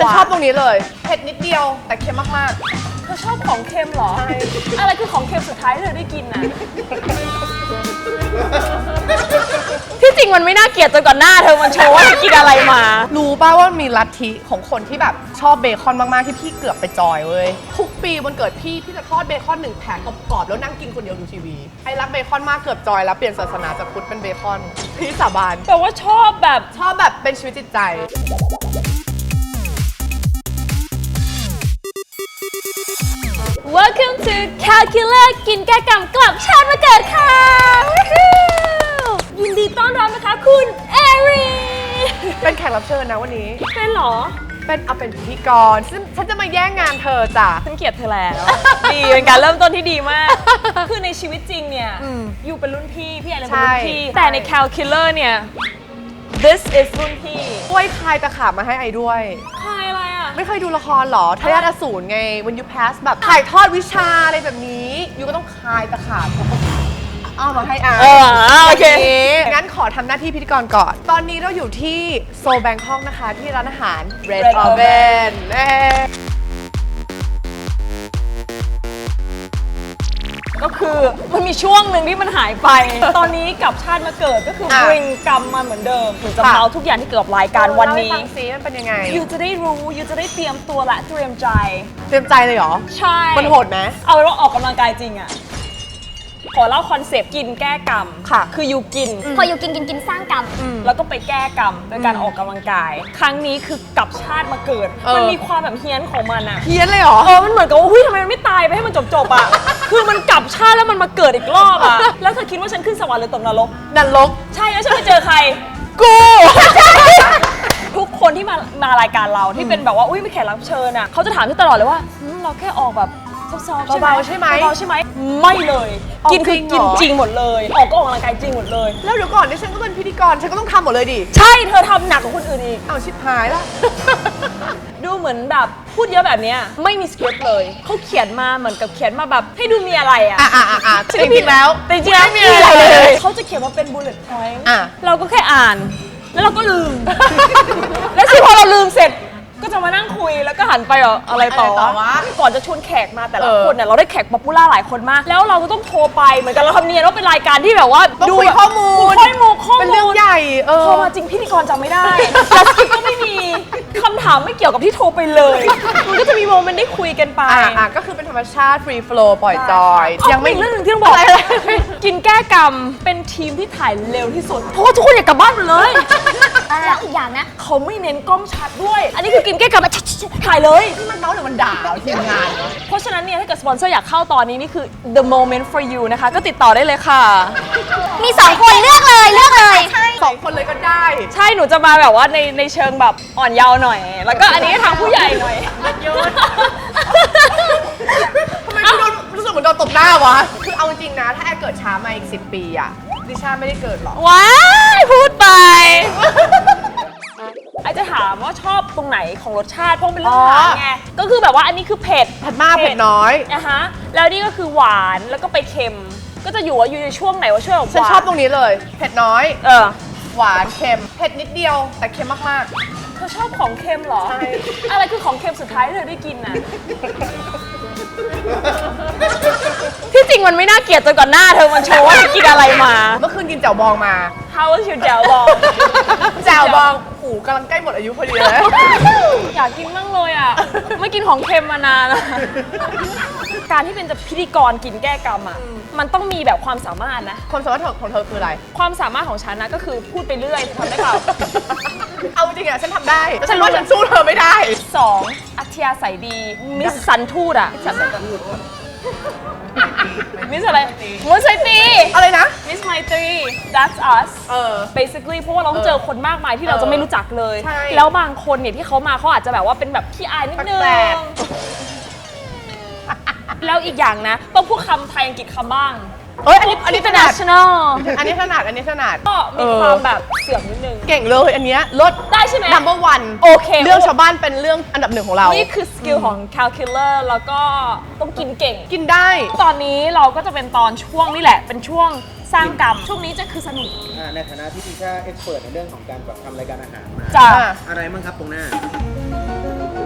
ฉันชอบตรงนี้เลยเผ็ดนิดเดียวแต่เค็มมากเธอชอบของเค็มเหรอใช่อะไรคือของเค็มสุดท้ายที่เธอได้กินนะ ที่จริงมันไม่น่าเกลียดจนก่อนหน้าเธอมันโชว์ว่าเธอกินอะไรมาๆรู้ป่าวว่ามีลัทธิของคนที่แบบชอบเบคอนมากๆที่พี่เกือบไปจอยเว้ยทุกปีวันเกิดพี่จะทอดเบคอน1 แผงกรอบๆแล้วนั่งกินคนเดียวดูทีวีไอ้รักเบคอนมากเกือบจอยแล้วเปลี่ยนศาสนาจากพุทธเป็นเบคอนพี่สาบานแต่ว่าชอบแบบชอบแบบเป็นชีวิตจิตใจ Welcome to Calculator กินแก้กรรมกลับชาติมาเกิดค่ะ ยินดีต้อนรับนะคะคุณเอรีเป็นแขกรับเชิญนะวันนี้เป็นเหรอเป็นพิธีกรซึ่งฉันจะมาแย่งงานเธอจ้ะฉันเกลียดเธอแล้ว ดีเป็นการเริ่มต้นที่ดีมาก คือในชีวิตจริงเนี่ย อยู่เป็นรุ่นพี่ไอเลยเป็นรุ่นพี่ แต่ใน Calculator เนี่ย this is รุ่นพี่ช่วยคลายตะขาบมาให้ไอ้ด้วยใครอะไรอ่ะไม่เคยดูละครเหรอทายาทอสูรไง when you pass แบบถ่ายทอดวิชาอะไรแบบนี้ยูก็ต้องคลายตะขาบเอามาให้อ่านโอเคงั้นขอทำหน้าที่พิธีกรก่อน ตอนนี้เราอยู่ที่โซแบงคอกนะคะ ที่ร้านอาหาร Red Red Oven ก็คือมันมีช่วงหนึ่งที่มันหายไป ตอนนี้กลับชาติมาเกิดก็คือ bring กรรมมาเหมือนเดิมถึงจะเมาทุกอย่างที่เกิดกับรายการวันนี้เล่าให้ฟังซิมันเป็นยังไงยูจะได้รู้ยูจะได้เตรียมตัวและเตรียมใจเตรียมใจเลยเหรอใช่มันโหดไหมเอาเป็นว่าออกกำลังกายจริงอะขอเล่าคอนเซปต์กินแก้กรรมค่ะคือยูกินพออยู่กินสร้างกรรมแล้วก็ไปแก้กรรมโดยการออกกำลังกาย ครั้งนี้คือกลับชาติมาเกิด มันมีความแบบเฮี้ยนของมันอะเฮี้ยนเลยเหรอมันเหมือนกับว่าทำไมมันไม่ตายไปให้มันจบๆอะ คือมันกลับชาติแล้วมันมาเกิดอีกรอบอะแล้วเธอคิดว่าฉันขึ้นสวรรค์หรือตกนรกนันลกใช่แล้วฉันไปเจอใครกูทุกคนที่มารายการเราที่เป็นแบบว่าอุ้ยไม่แขกรับเชิญอ่ะเขาจะถามที่ตลอดเลยว่าเราแค่ออกแบบซอฟๆเบาๆใช่ไหมเบาๆใช่ไหมไม่เลยออกกินคือจริงเหรกินอจริงหมดเลยออกก็ออกกำลังกายจริงหมดเลยแล้วเดี๋ยวก่อนที่ฉันก็เป็นพิธีกรฉันก็ต้องทำหมดเลยดิใช่เธอทำหนักกว่าคนอื่นอีกเอาชิบหายละดูเหมือนแบบพูดเยอะแบบเนี้ยไม่มีสคริปต์เลยเขาเขียนมาเหมือนกับเขียนมาแบบให้ดูมีอะไรอ่ะจริงๆแล้วแต่จริงๆแล้วไม่มีอะไรเลยเขาจะเขียนมาเป็น bullet point อ่ะเราก็แค่อ่านแล้วเราก็ลืม แล้วพอเราลืมเสร็จก็จะมานั่งคุยแล้วก็หันไปอะไรต่อวะก่อนจะชวนแขกมาแต่ละคนเนี่ยเราได้แขกป๊อปปูล่าหลายคนมากแล้วเราก็ต้องโทรไปเหมือนกันเราทำเนียนว่าเป็นรายการที่แบบว่าต้องดูคุยข้อมูลเป็นเรื่องใหญ่โทรมาจริงพิธีกรจำไม่ได้แล้วสคริปต์ก็ไม่มีคำถามไม่เกี่ยวกับที่โทรไปเลยมันก็จะมีโมเมนต์ได้คุยกันไปก็คือเป็นธรรมชาติฟรีโฟลว์ปล่อยจอยยังไม่เรื่องหนึงที่ต้องบอกอะไรกินแก้กรรมเป็นทีมที่ถ่ายเร็วที่สุดเพราะว่าทุกคนอยากกลับบ้านหมดเลยแล้วอีกอย่างนะเขาไม่เน้นกล้องชัดด้วย อันนี้คือกินแก้กรรมถ่ายเลยมันเมาส์หรือมันด่าทีมงานเพราะฉะนั้นเนี่ยถ้าเกิดสปอนเซอร์อยากเข้าตอนนี้นี่คือ the moment for you นะคะ ก็ติดต่อได้เลยค่ะมี2 คนเลือกเลยใช่ 2 คนเลยก็ได้ใช่หนูจะมาแบบว่าในเชิงแบบอ่อนเยาว์หน่อย แล้วก็อันนี้ทางผู้ใหญ่หน่อยทำไมกูโดนรู้สึกเหมือนโดนตบหน้าวะ คือเอาจริงๆนะ ถ้าแอร์เกิดช้ามาอีก10 ปีอะดิชาไม่ได้เกิดหรอกว้ายพูดไปไอจะถามว่าชอบตรงไหนของรสชาติเพราะมันเป็นเรื่องอาหารไงก็คือแบบว่าอันนี้คือเผ็ดเผ็ดมากเผ็ดน้อยนะฮะแล้วนี่ก็คือหวานแล้วก็ไปเค็ม ก็จะอยู่ว่าอยู่ในช่วงไหนว่าช่วงหวานฉันชอบตรงนี้เลย เผ็ดน้อยเออหวานเค็ม เผ็ดนิดเดียวแต่เค็มมากเธอชอบของเค็มเหรอใช่อะไรคือของเค็มสุดท้ายที่เธอได้กินน่ะ ที่จริงมันไม่น่าเกลียดจนก่อนหน้าเธอมันโชว์ว่าเธอกินอะไรมาๆ เมื่อคืนกินแจ่วบองมา How was your แจ่วบองแจ่วบองหูกำลังใกล้หมดอายุพอดีเลยอยากกินมั่งเลยอ่ะ ไม่กินของเค็มมานานแล้วการที่เป็นจะพิธีกรกินแก้กรรมอ่ะ มันต้องมีแบบความสามารถนะความสามารถของเธอคืออะไรความสามารถของฉันนะก็คือพูดไปเรื่อยทำได้เปล่าเอาจริงอะฉันทำได้แต่ฉันว่าฉันสู้เธอไม่ได้ 2. อัธยาศัยดี มิสสันทูดอะมิสอะไรมิสไมตรีอะไรนะมิสไมตรี that's us basically เพราะว่าเราต้องเจอคนมากมายที่เราจะไม่รู้จักเลยใช่แล้วบางคนเนี่ยที่เขามาเขาอาจจะแบบว่าเป็นแบบขี้อายนิดนึงแปลกแล้วอีกอย่างนะต้องพูดคำไทยอังกฤษคำบ้างอันนี้ถนัด international อันนี้ถนัดก็มีความแบบเสื่อมนิดนึงเก่งเลยอันเนี้ยลดได้ใช่ไหม number one โอเคเรื่องชาวบ้านเป็นเรื่องอันดับ1ของเรานี่คือสกิลของ calculator แล้วก็ต้องกินเก่งกินได้ตอนนี้เราก็จะเป็นตอนช่วงนี่แหละ เป็นช่วงสร้างกรรม ช่วงนี้จะคือสนุกในฐานะที่ดิชาเอ็กซ์เพิร์ในเรื่องของการแบบทำรายการอาหารมาจ้ะอะไรบ้างครับตรงหน้า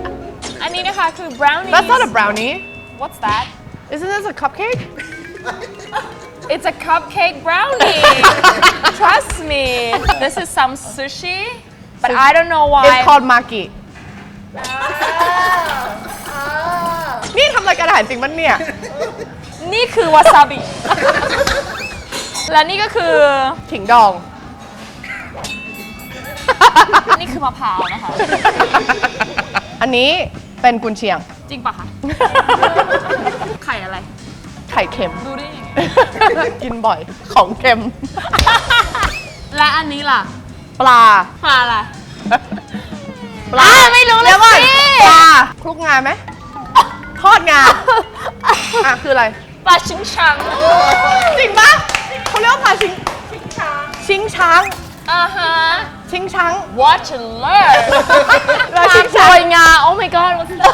อันนี้นะคะคือ brownie That's not a brownie What's that Isn't this a cupcake It's a cupcake brownie Trust me This is some sushi But I don't know why It's called maki นี่ทำรายการอาหารจริงมั้ยเนี่ยนี่คือวาซาบิ และนี่ก็คือขิงดองนี่คือมะพร้าวนะคะอันนี้เป็นกุนเชียงจริงปะคะ ไข่อะไรไข่เค็มดูได้ยังไงกินบ่อยของเค็มและอันนี้ล่ะปลาปลาอะไรปลาไม่รู้เลยดี๋วก่อนสิปลาคลุกงาไหมทอดงาอ่ะคืออะไรปลาชิงชังจริงปะเขาเรียกว่าปลาชิงช้างอ่าฮะชิงช้าง Watch and learn ปลาปลาชิงโปรช้างยงา Oh my god what's that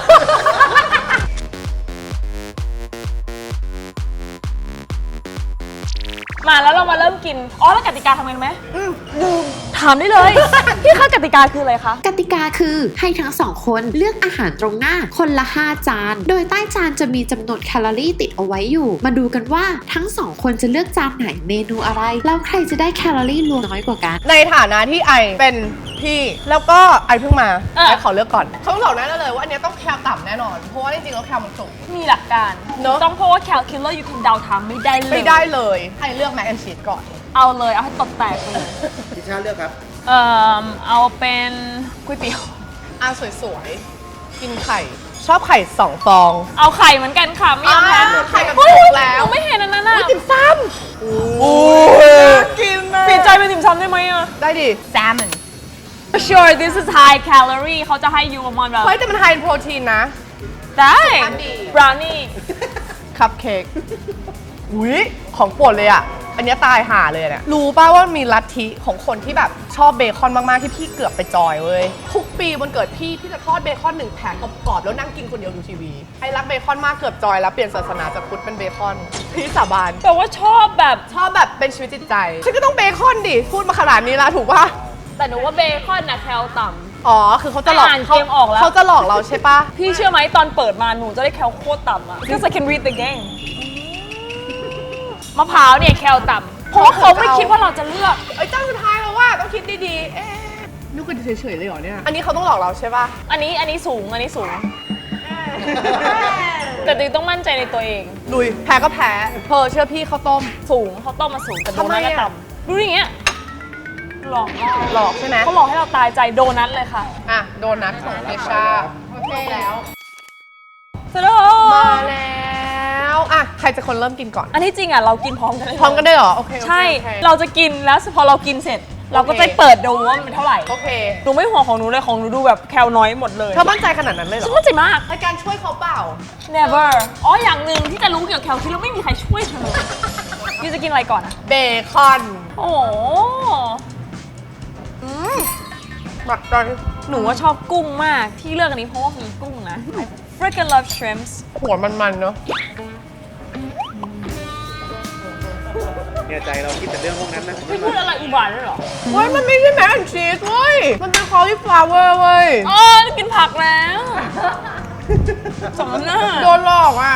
มาแล้วเรามาเริ่มกิน อ๋อ แล้วกติกาทำไงรู้ไหมถามได้เลย พี่คะกติกาคืออะไรคะกติกาคือให้ทั้งสองคนเลือกอาหารตรงหน้าคนละ 5 จาน โดยใต้จานจะมีจำนวนแคลอรี่ติดเอาไว้อยู่ มาดูกันว่าทั้งสองคนจะเลือกจานไหนเมนูอะไร แล้วใครจะได้แคลอรี่รวมน้อยกว่ากันในฐานะที่ไอเป็นพี่แล้วก็ไอเพิ่งมาเออไอขอเลือกก่อนเขาบอกแน่เลยว่าอันเนี้ยต้องแคลต่ำแน่นอน เพราะว่าจริงๆแล้วแคลมันสูงมีหลักการเนอะต้องเพราะว่าแคลคิลเลอร์อยู่คนเดาทางไม่ได้เลยไม่ได้เลยไอเลือกแมคแอนชีสก่อนเอาเลย เอาให้ตบแตกไปเลยพิชาเลือกครับเอาเป็นก๋วยเตี๋ยวอ่ะสวยๆ กินไข่ ชอบไข่2 ฟองเอาไข่เหมือนกันค่ะ ไม่ยอมแพ้ไข่กับเฮ้ยสุกแล้วหนูไม่เห็นอันนั้นอ่ะติ่มซำโอ้ยกินนะเปลี่ยนใจเป็นติ่มซำได้ไหมอ่ะได้ดิ salmon sure this is high calorie เขาจะให้ยูประมาณแบบเฮ้ยแต่มันไฮโปรตีนนะได้สุขภาพดี brownie คัพเค้กอุ้ยของโปรดเลยอ่ะ อันเนี้ยตายห่าเลยเนี่ย รู้ป่าวว่ามีลัทธิของคนที่แบบชอบเบคอนมาก ๆ ที่พี่เกือบไปจอยเว้ย ทุกปีวันเกิดพี่จะทอดเบคอน1 แผงกรอบๆแล้วนั่งกินคนเดียวดูทีวี ไอ้รักเบคอนมากเกือบจอยแล้วเปลี่ยนศาสนาจากพุทธเป็นเบคอน พี่สาบานแต่ว่าชอบแบบชอบแบบเป็นชีวิตจิตใจ ฉันก็ต้องเบคอนดิ พูดมาขนาดนี้แล้วถูกป่ะแต่หนูว่าเบคอนน่ะแคลต่อ๋อ คือเขาจะหลอกอ่านเกมออกแล้วเขาจะหลอกเราใช่ป่ะำพี่เชื่อไหมตอนเปิดมาหนูจะได้แคลโคตรต่ำอ่ะ because I can read the game มะพร้าวเนี่ยแคลต่ำเพราะว่าเขาไม่คิดว่าเราจะเลือกไอ้เจ้าสุดท้ายแล้วว่าต้องคิดดีๆ เอ๊ะนึกกันเฉยๆเลยเหรอเนี่ย อันนี้เขาต้องหลอกเราใช่ป่ะอันนี้สูง อันนี้สูง แต่ติวต้องมั่นใจในตัวเองลุย แพ้ก็แพ้เธอเชื่อพี่เขาต้มสูงเขาต้มมาสูงแต่โดทำไมนัทอะก็ต่ำดูอย่างเงี้ยหลอกเราหลอกใช่ไหมเขาหลอกให้เราตายใจโดนัทเลยค่ะอ่ะ โดนัทของเอชาโอเคแล้วสโลมาแล้วอ่ะใครจะคนเริ่มกินก่อนอันที่จริงอ่ะเรากินพร้อมกันเลยพร้อมกันได้เหรอ โอเคโอเคใช่โอเคเราจะกินแล้วพอเรากินเสร็จ เราก็จะเปิดดูว่ามันเป็นเท่าไหร่โอเคหนูไม่ห่วงของหนูเลยของหนูดูแบบแคลน้อยหมดเลยเธอมั่นใจขนาดนั้นเลยเหรฉันอมั่นใจมากในการช่วยเขาเปล่า never อ๋ออย่างหนึ่งที่จะรู้เกี่ยวกับแคลคือเราไม่มีใครช่วยเธอยูจะกินอะไรก่อนอ่ะเบคอนโอ้โหหมักใจหนูว่าชอบกุ้งมากที่เลือกอันนี้เพราะว่ามีกุ้งนะ I freaking love shrimps หัวมันๆเนอะเนี่ยใจเราคิดแต่เรื่องพวกนั้นนะไม่พูดอะไรอุบาทด้วยเหรอเฮ้ยมันไม่ใช่แมคแอนชีสเว้ย มันเป็นคอลลีฟลาวเวอร์เว้ยอ๋อกินผักแล้วสมน้ำหน้าโดนหลอกอ่ะ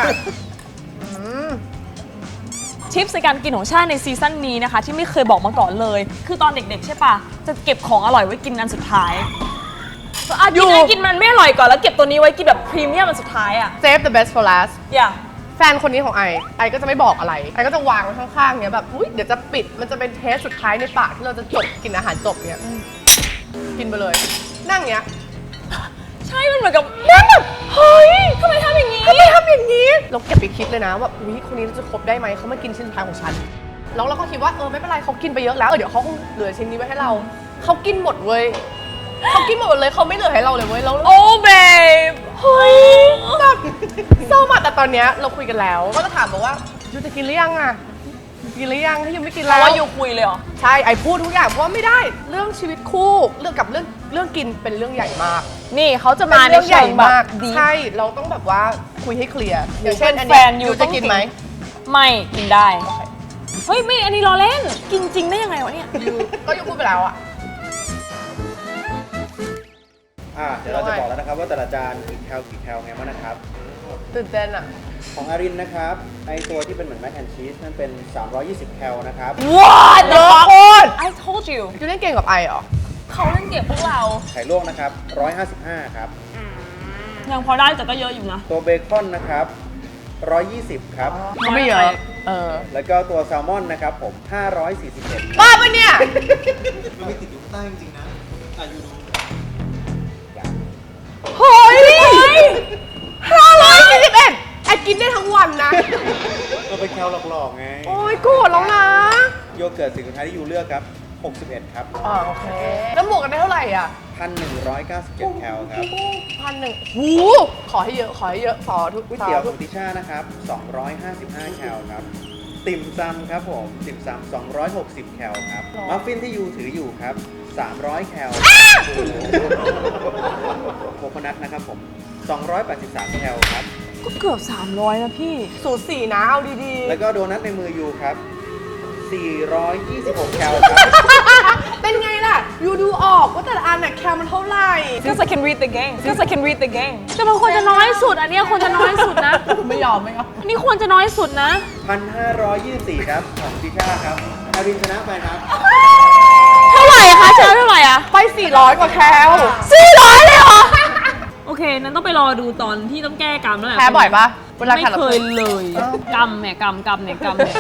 ทิปในการกินของชาติในซีซั่นนี้นะคะ ที่ไม่เคยบอกมาก่อนเลย คือตอนเด็กๆใช่ปะจะเก็บของอร่อยไว้กินอันสุดท้ายกินมันไม่อร่อยก่อนแล้วเก็บตัวนี้ไว้กินแบบพรีเมียมอันสุดท้ายอ่ะ Save the best for last อย่าแฟนคนนี้ของไอก็จะไม่บอกอะไร ไอก็จะวางไว้ข้างๆเนี้ยแบบ อุ้ยเดี๋ยวจะปิด มันจะเป็นเทสสุดท้ายในปากที่เราจะจบกินอาหารจบเนี้ยกินไปเลย นั่งเนี้ยใช่มันเหมือนกับนั่นแบบเฮ้ยทำไมทำอย่างนี้ทำไมทำอย่างนี้ เราเก็บไปคิดเลยนะว่าอุ้ยคนนี้จะครบได้ไหม เขามากินชิ้นสุดท้ายของฉัน แล้วเราก็คิดว่าไม่เป็นไรเขากินไปเยอะแล้วเดี๋ยวเขาคงเหลือชิ้นนี้ไว้ให้เรา เขากินหมดเว้ยเขากินหมดเลยเขาไม่เหลือให้เราเลยเว้ยแล้วโอ้เบฟเฮ้ยแบบเศร้ามากแต่ตอนเนี้ยเราคุยกันแล้วก็จะถามบอกว่ายูจะกินหรือยังอ่ะกินหรือยังถ้ายูไม่กินเพแล้ราะวว่าอยู่คุยเลยเหรอใช่ไอพูดทุกอย่างเพราะว่าไม่ได้เรื่องชีวิตคู่เรื่องกับเรื่องกินเป็นเรื่องใหญ่มากนี่เขาจะเป็มาน ในเรื่องใหเชิญ่งแบบมากดีใช่เราต้องแบบว่าคุยให้เคลียร์อย่างเช่นอันแฟเนี้ยนอยู่ยูจะกินไหมไม่กินได้ เฮ้ยไม่อันนี้รอเล่น กินจริงได้ยังไงวะเนี่ยยูก็ยูพูดไปแล้วอ่ะเดี๋ยวเราจะบอกแล้วนะครับว่าแต่ละจานกี่แคลไงบ้างนะครับตื่นเต้นอ่ะของอารินนะครับไอตัวที่เป็นเหมือนแมคแอนชีสนั่นเป็น 320 แคลนะครับ What เยอะโคตร I told you ยูเล่นเก่งกับไอเหรอเขาเล่นเก็บพวกเราไข่ลวกนะครับ 155 ครับยังพอได้แต่ก็เยอะอยู่นะตัวเบคอนนะครับ 120 ครับไม่เยอะแล้วก็ตัวแซลมอนนะครับผม 541 บ้าปะเนี่ยมันไม่ติดอยู่ใต้จริงๆนะอยู่ดูเฮ้ย541ไอกินได้ทั้งวันนะมันเป็นแคลหลอกๆไงโอ้ยโกรธแล้วนะโยเกิร์ตสิ่งสุดท้ายที่ยูเลือกครับ 61 ครับโอเค แล้วบวกกันได้เท่าไหร่อ่ะ 1,197 แคลครับ 1,100หูขอให้เยอะขอทุกก๋วยเตี๋ยวของติช่านะครับ 255 แคลครับ ติ่มซำครับผม ติ่มซำ260 แคลครับ มัฟฟินที่ยูถืออยู่ครับ 300 แคลโคโคนัทนะครับผม 283 แคลครับก็เกือบ300นะพี่สูตร4นะเอาดีแล้วก็โดนัทในมือยูครับ 426 แคลครับๆ เป็นไงล่ะ ยูดูออกว่าแต่ละอันน่ะแคลมันเท่าไหร่ Because I can read the game Because I can read the game แต่มันควรจะน้อยสุด อันเนี้ยควรจะน้อยสุดนะไม่ยอมอันนี้ควรจะน้อยสุดนะ 1,524 ครับ ของติช่าครับอารินชนะไปครับเท่าไหร่คะเชิญเท่าไหร่อะไป 400 กว่าแคล 400เลยเหรอ โอเค นั้นต้องไปรอดูตอนที่ต้องแก้กรรมแล้วแหละแพ้บ่อยปะเวลาไม่แข่งเคยเลยกรรมเนี่ยกรรมเนี่ย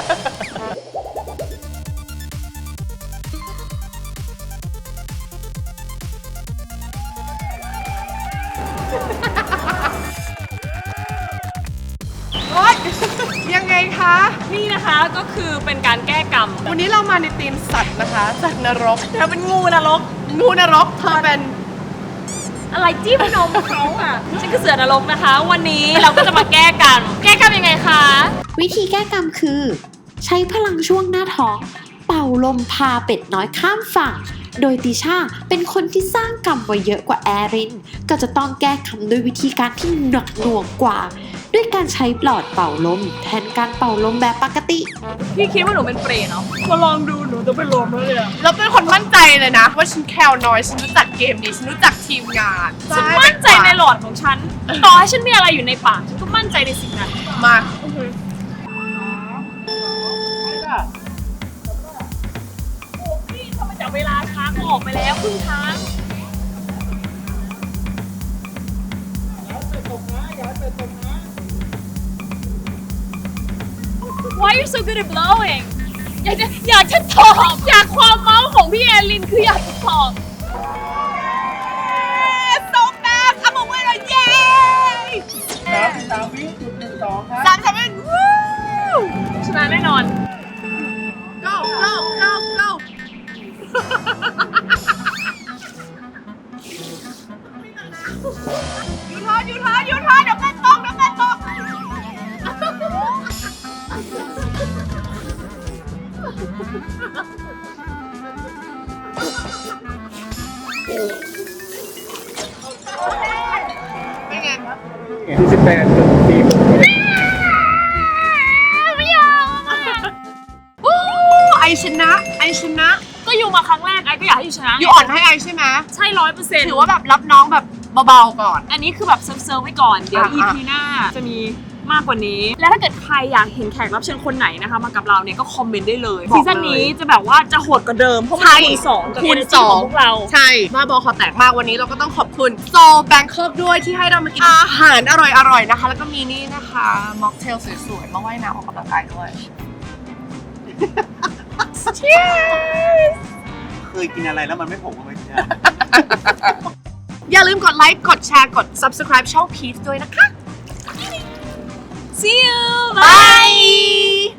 โอ๊ยยังไงคะนี่นะคะก็คือเป็นการแก้กรรมวันนี้เรามาในทีมสัตว์นะคะจากนรกเธอเป็นงูนรกงูนรกเธอเป็นอะไรจิ้มนมเขาอ่ะฉันคือเสือนรกนะคะ วันนี้เราก็จะมาแก้กรรมแก้กรรมยังไงคะวิธีแก้กรรมคือ ใช้พลังช่วงหน้าท้อง เป่าลมพาเป็ดน้อยข้ามฝั่ง โดยติช่าเป็นคนที่สร้างกรรมไว้เยอะกว่าแอริน ก็จะต้องแก้กรรมด้วยวิธีการที่หนักหน่วงกว่า ด้วยการใช้หลอดเป่าลม แทนการเป่าลมแบบปกติพี่คิดว่าหนูเป็นเปรตเนาะมาลองดูหนูจะเป็นลมแล้วเลยอะเราเป็นคนมั่นใจเลยนะ ว่าฉันแคลน้อยฉันรู้จักเกมนี้ฉันรู้จักทีมงานฉันมั่นใจในหลอดของฉัน ต่อให้ฉันมีอะไรอยู่ในปากฉันก็มั่นใจในสิ่งนั้นมาโอ้พี่ทำไมจากเวลาช้าก็ออกไปแล้วครึ่งทาง Why are you so good at blowing อยากจะตอบอยากความเมาส์ของพี่แอลินคืออยากจะตอบ So fast I'm a winner yay 3 วิจุด12 ครับ 3 7 วู้ชนะแน่นอน go go go go ยูทอนเดี๋ยวแม่ตกเป็นไง 48.4 ไอชนะก็อยู่มาครั้งแรกไอ้ก็อยากให้อยู่ชนะอยู่อ่อนให้ไอใช่ไหมใช่100% ถือว่าแบบรับน้องแบบเบาๆก่อนอันนี้คือแบบเซิร์ฟไว้ก่อน เดี๋ยว EP หน้าจะมีมากกว่านี้ และถ้าเกิดใครอยากเห็นแขกรับเชิญคนไหนนะคะมากับเราเนี่ยก็คอมเมนต์ได้เลยบอกเลยซีซั่นนี้จะแบบว่าจะโหดกว่าเดิมเพราะมันคูณ2กับคูณ energy ของพวกเราใช่บ้าบอคอแตกมากวันนี้เราก็ต้องขอบคุณโซแบงคอกด้วยที่ให้เรามากินอาหารอร่อยๆนะคะ แล้วก็มีนี่นะคะม็อกเทลสวยๆมาว่ายน้ำออกกำลังกายด้วย Cheers เคยกินอะไรแล้วมันไม่ผมก็ไม่ใช่อย่าลืมกดไลค์กดแชร์กด subscribe ช่อง Peach ด้วยนะคะ See you Bye